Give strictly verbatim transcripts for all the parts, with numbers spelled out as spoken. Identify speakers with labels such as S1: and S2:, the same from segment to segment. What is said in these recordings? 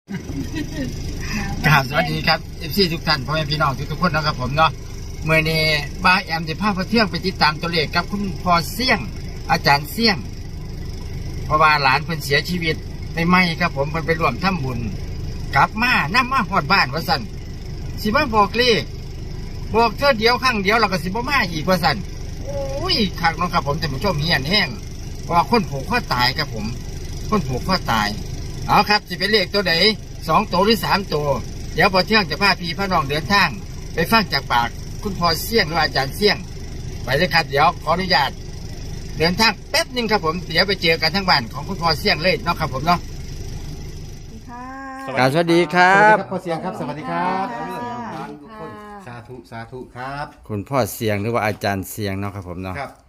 S1: กราบสวัสดีครับเอฟซีทุกท่านพ่อแม่พี่น้องทุกๆคนนะครับผมเนาะเมื่อนี้บ้าแอมจะพาพเที่ยงไปติดตามตัวเลขกับคุณพ่อเสี่ยงอาจารย์เสี่ยงเพราะว่าหลานเพิ่นเสียชีวิตในไม่ครับผมเพิ่นไปร่วมทำบุญกลับมานํมาฮอดบ้านว่าซั่นสิมาบอกเลขบอกเท่าเดียวครั้งเดียวแล้วก็สิบ่มาอีกว่าซั่นโอ้ยคักเนาะครับผมท่านผู้ชมเฮียนแห้งเพราะว่าคนผูกคอตายครับผมคนผูกคอตายเอาครับสิเป็นเลขตัวใดสองตัวหรือสามตัวเดี๋ยวพอเที่ยงจะพาพี่พระน้องเดินทางไปฟังจากปากคุณพ่อเสี่ยงหรืออาจารย์เสี่ยงไปเลยครับเดี๋ยวขออนุญาตเดินทางแป๊บนึงครับผมเดี๋ยวไปเจอกันทั้งบ้านของคุณพ่อเสี่ยงเลยเนาะครับผมเนาะ
S2: ค่ะ
S1: สวัสดีครับ
S2: พ่อเสียงครับสวัสดีครับ
S3: สวัสดีค่ะ
S2: ทุกคนสาธุสาธุครับ
S1: คุณพ่อเสี่ยงหรือว่าอาจารย์เสี่ยงเนาะครับผมเนาะ
S2: ครับ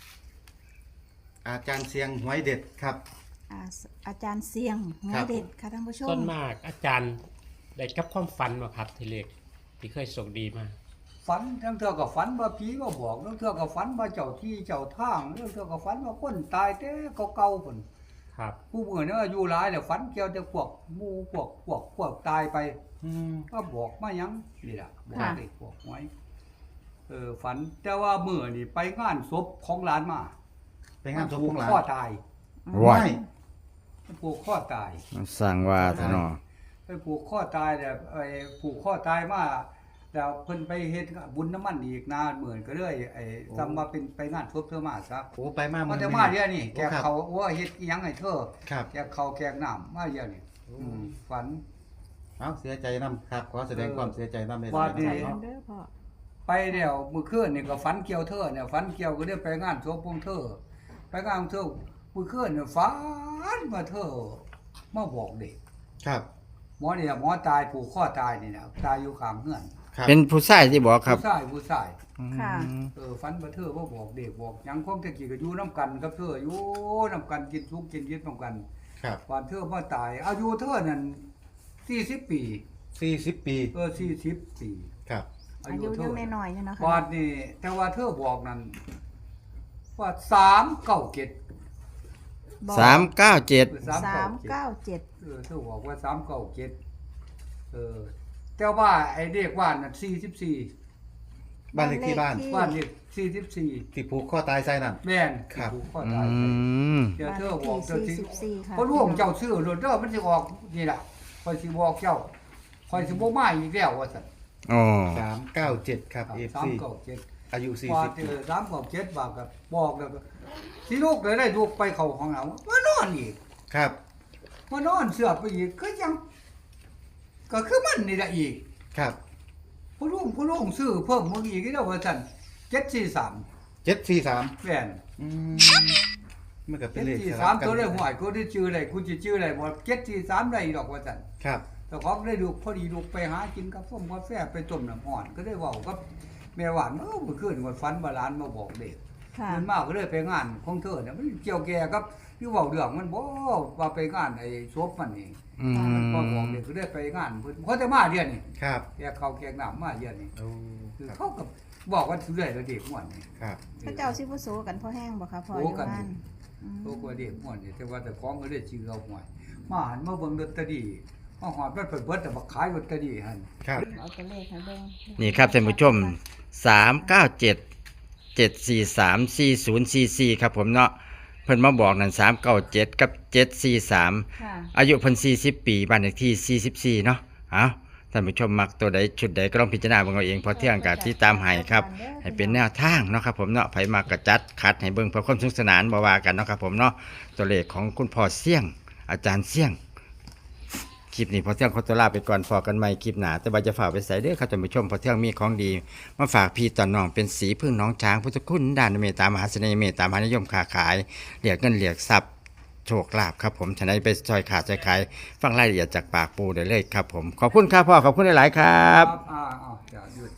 S2: อาจารย์เสียงหวยเด็ดครับ
S3: อ่าอาจารย์เสียงหัว
S2: ครับ
S3: เด็ดค่ะท่านผู้ช
S4: ส่ว
S3: ม
S4: นมากอาจารย์ได้กับความฝันมาครับทีเล็กที่เคยส่งดีมา
S5: ฝันทั้งเทื่อก็ฝันว่าผีมาบอกทั้งเทื่อก็ฝันว่าเจ้าที่เจ้าทางทั้งเทื่อก็ฝันว่าคนตายแต่เก่าๆพุ่น
S4: ครับ
S5: ผู้เมื่อเนี่ยอายุหลายแล้วฝันเกี่ยวแต่พวกหมู่พวกพวกพวกตายไป
S2: อืม
S5: ก็บอกมาหยังนี่ล่ะบอก
S3: ค่ะ
S5: เด็กบอกไว้เออฝันแต่ว่าเมื่อนี่ไปงานศพของหลานมา
S2: ไปงานศพของหลาน
S5: ข้อตาย
S1: ว้าย
S5: ไปผูกข้อตาย
S1: สร้างว่าทะเนาะ
S5: ไปผูกข้อตายแต่ไอ้ผูกข้อตายมาแล้วเพิ่นไปเฮ็ดบุญน้ำมันอีกนานเหมือนก็เลยไอ้ทำมาเป็นไปงานศพเธอมาซะ
S2: โอ้ไปมา
S5: มา
S2: อ
S5: แต่มาเดี๋ยวนี้แก
S2: โอ้ครับ
S5: เขาว่าเฮ็ดอิหยังให้เธอ
S2: ครับ
S5: แกเขาแกงน้ำมาเดี๋ยวนี้อืมฝัน
S2: เอาเสียใจนํครับขอแสดงความเสียใจนํใน
S5: ว่า
S2: ทาง
S5: ดี
S3: ใจ
S2: เนาะ
S3: เด้อพ่อ
S5: ไปเดี๋ยวมื้อคืนนี่ก็ฝันเกี่ยวเธอเนี่ยฝันเกี่ยวก็ได้ไปงานศพของเธอ ไปงานของเธอมื้อคืนเนี่ยฝันว่าเธอมาบอกเด็ก
S2: ครับ
S5: หมอเนี่ยหมอตายผูกข้อตายนี่นะตายอยู่ข้างเฮือน
S2: ครับ
S1: เป็นผู้ชายที่บอกครับ
S5: ผู้ชายผู้ชาย
S3: ค่ะ
S5: เออฝันว่าเธอมาบอกเด็กบอกหยังคงตะกี้ก็อยู่นํกันกับเธออยู่นํกันกินทุกข์กินยึดนํกัน
S2: ครับ
S5: วันเธอมาตายอายุเธอนั่นสี่สิบปี
S2: สี่สิบปี
S5: เออสี่สิบปี
S2: ครับ
S3: อายุยังน้อยๆเนี่ยเนาะ
S5: วั
S3: ค่ะ
S5: นนี้แต่ว่าเธอบอกนั่นว่าสามเก้าเจ็ด
S3: บอก
S1: สามเก้าเจ็ด
S5: สาม
S3: สาม
S5: เก้า
S3: เก้าเจ็ด
S5: เออเธอบอกว่าสามเก้าเจ็ดเออแต่ว่าไอ้เด็กว่านนั่นสี่สิบสี่
S2: บ้านเลขที่บ้าน
S5: ว่านเด็กสี่สิบสี่
S2: ที่ผูกข้อตายใส่นั่น
S5: แม่น
S2: ครับ
S5: ผูกข้อ
S1: อื
S5: ตายไป
S1: ม
S5: เดี๋ยว
S3: บ้าน
S5: เธ
S3: เล
S5: อ
S3: ข
S5: บอก
S3: ที่
S5: เธอ
S3: สี่
S5: สิ
S3: สิบสี่ค่ะ
S5: เพราะร่วงเจ้าซื้อรถเด้อมันสิออกนี่ล่ะคอยสิบอกเจ้าคอยสิบ่มาอีกแล้วว่าซั่น
S1: อ๋อ
S2: สามเก้าเจ็ดครับ
S5: สาม
S2: เอฟซี
S5: เก้าเจ็ด
S2: อายุสี่
S5: ว่า
S2: สิบ
S5: เจอสามเก้าเจ็ดบาทก็บอกแล้วก็สิลูกเลยได้ลูกไปเข้าห้องน้ำมานอนอีก
S2: ครับ
S5: มานอนเสือไปอีกก็ยัง ก็คือมันนี่แหละอีก
S2: ครับ
S5: ผู้ลุงผู้ลุงซื้อเพิ่มมาอีกแล้วว่าซั่นเจ็ดสี่สาม
S2: เจ็ดสี่สาม
S5: แม่น
S2: อืมมันก็เป็
S5: เจ็
S2: น
S5: ด
S2: เลข
S5: สี่
S2: ส
S5: สาม
S2: ลับกัน
S5: ตัวได้หวยกูได้ชื่ออะไรกูจะชื่ออะไรบ่เจ็ดสี่สามได้ดอกว่าซั่น
S2: ครับ
S5: แต่ของได้ลูกพอดีลูกไปหากินกาแฟกาแฟไปต้มน้ำอ่อน ก็ได้เว้ากับแม่หวานเออเมื่อคืนวันฝันว่าหลานมาบอกเด็ก
S3: ค่ะ
S5: เงินมากก็เลยไปงานของเธอเนี่ยมันเกี่ยวแก่กับที่เว้าเรื่องมันบ่ว่าไปงานไอ้ศพมันนี่
S1: อืม
S5: พอบอกเด็กก็ได้ไปงานเพิ่นเขาจะมาเดือนนี้
S2: ครับ
S5: แกเขาแกงน้ำมาเดือนนี้
S2: โอ้
S5: คือ
S2: ครับ
S5: เขาก็บอกว่าสิได้แล้วเด็กม่วนนี่
S2: ครับ
S3: พระเจ้าสิบ่โซกันพ่อแห้งบ่คะพ่ออ
S5: โซ
S3: ยู่
S5: กัน
S3: บ้านอืม
S5: โตกว่าเด็กม่วนนี่แต่ว่าแต่ของก็ได้ชื่อเอาหวยมาหันมาเบิ่งลอตเตอรี่มาหอดมันเปิดเบิดแต่บักขายลอตเตอรี่หั่น
S2: ครับ
S3: เอาตัวเลขให้เบิ่ง
S1: นี่ครับท่านผู้ชมสามเก้าเจ็ดเจ็ดสี่สามสี่ศูนย์สี่สี่ครับผมเนาะเพิ่นมาบอกนั่นสามเก้าเจ็ดกับเจ็ดสี่สาม
S3: ค่ะ
S1: อายุเพิ่นสี่สิบปีบ้านเลขที่สี่สิบสี่เนาะเอาท่านผู้ชมมักตัวใดชุดใดก็ต้องพิจารณาเบิ่งเอาเองเพอเที่ยงกะที่ตามให้ครับให้เป็นแนวทางเนาะครับผมเนาะไผมากระจัดคัดให้เบิ่งเพื่อความสนุกสนานบ่ว่ากันเนาะครับผมเนาะตัวเลขของคุณพ่อเสี่ยง อาจารย์เสี่ยง คลิปนี้พอเที่ยงขอตัวลาไปก่อนพอกันใหม่คลิปหน้าแต่ว่าจะฝากไปใส่เด้อครับท่านผู้ชมพอเที่ยงมีของดีมาฝากพี่ต่อน้องเป็นสีพึ่งน้องช้างพุทธคุณด้านเมตตามหาเสน่ห์เมตตามหานิยมค้าขายเหลียกเงินเหลียกทรัพย์โชคลาภครับผมฉะนั้นไปซอยขาดซอยขายฟังรายละเอียดจากปากปูได้เลยครับผมขอบคุณครับพ่อขอบคุณหลายๆครับ
S5: อ่าอ่าจะหยุด